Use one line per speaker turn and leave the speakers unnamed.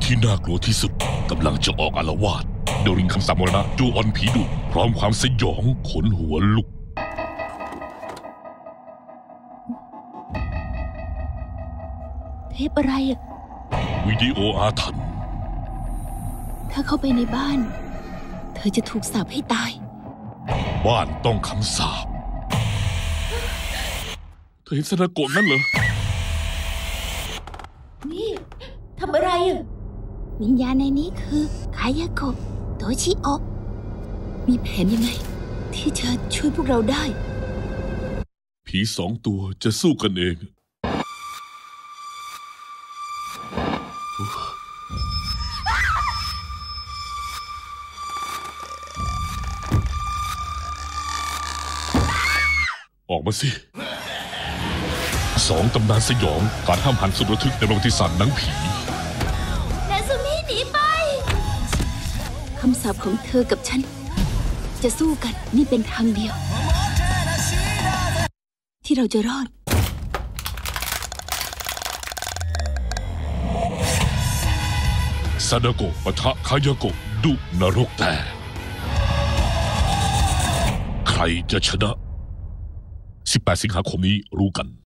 ที่น่ากลัวที่สุดกำลังจะออกอาละวาดโดริงคำสาปมรณะจูออนผีดุพร้อมความสยองขนหัวลุก
เทปอะไรอะ
วิดีโออาถรรพ์
ถ้าเข้าไปในบ้านเธอจะถูกสาปให้ตาย
บ้านต้องคำสาปเธอเห็นซาดาโกะนั่นเหรอ
นี่ทำอะไรอะวิญญาณในนี้คือคายาโกะโตชิโอะมีแผนยังไงที่จะช่วยพวกเราได้
ผี2 ตัวจะสู้กันเองออกมาสิ2 ตำนานสยองการห้ามหันสุดระทึกในประวัติศาสตร์หนังผี
นาซูมิหนีไปคำสาปของเธอกับฉันจะสู้กันนี่เป็นทางเดียวที่เราจะรอด
ซาดาโกะปะทะคายาโกะดุนรกแต่ใครจะชนะ18 สิงหาคมนี้รู้กัน